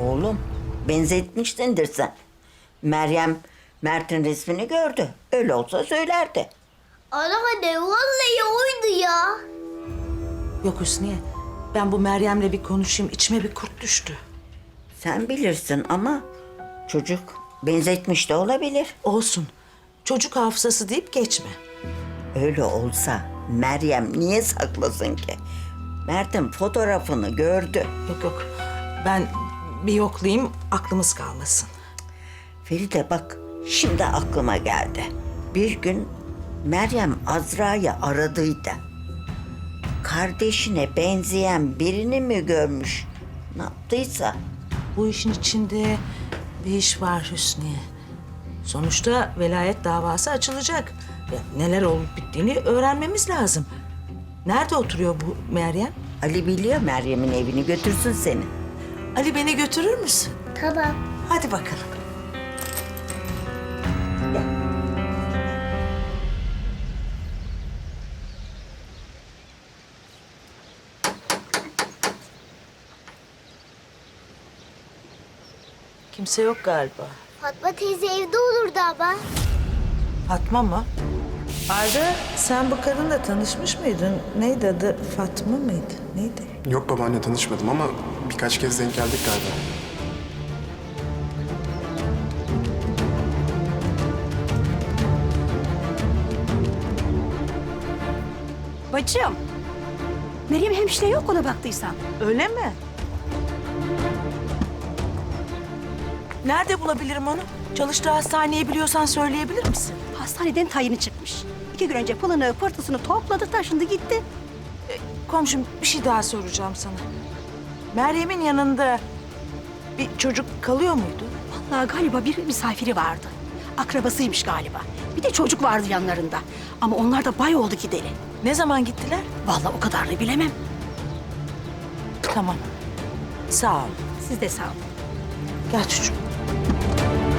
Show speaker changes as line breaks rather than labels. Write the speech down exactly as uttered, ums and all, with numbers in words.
Oğlum, benzetmişsindir sen. Meryem Mert'in resmini gördü. Öyle olsa söylerdi.
Anneanne vallahi oydu ya.
Yok Hüsniye, ben bu Meryem'le bir konuşayım. İçime bir kurt düştü.
Sen bilirsin ama çocuk benzetmiş de olabilir.
Olsun. Çocuk hafızası deyip geçme.
Öyle olsa Meryem niye saklasın ki? Mert'in fotoğrafını gördü.
Yok yok. Ben bir yoklayayım, aklımız kalmasın.
Feride bak, şimdi aklıma geldi. Bir gün Meryem Azra'yı aradıydı. Kardeşine benzeyen birini mi görmüş? Ne yaptıysa.
Bu işin içinde bir iş var Hüsniye. Sonuçta velayet davası açılacak. Ya, neler olup bittiğini öğrenmemiz lazım. Nerede oturuyor bu Meryem?
Ali biliyor Meryem'in evini, götürsün seni.
Ali, beni götürür müsün?
Tamam.
Hadi bakalım. Kimse yok galiba.
Fatma teyze evde olurdu ama.
Fatma mı? Arda, sen bu kadınla tanışmış mıydın? Neydi adı? Fatma mıydı? Neydi?
Yok babaanne, tanışmadım ama birkaç kez denk geldik galiba.
Bacım. Meryem hemşire yok ona baktıysan.
Öyle mi? Nerede bulabilirim onu? Çalıştığı hastaneyi biliyorsan söyleyebilir misin?
Hastaneden tayini çıkmış. İki gün önce pılını pırtısını topladı taşındı gitti.
Komşum, bir şey daha soracağım sana. Meryem'in yanında bir çocuk kalıyor muydu?
Vallahi galiba bir misafiri vardı. Akrabasıymış galiba. Bir de çocuk vardı yanlarında. Ama onlar da bay oldu gideri.
Ne zaman gittiler?
Vallahi o kadarını bilemem.
Tamam. Sağ ol.
Siz de sağ olun.
Gel çocuğum.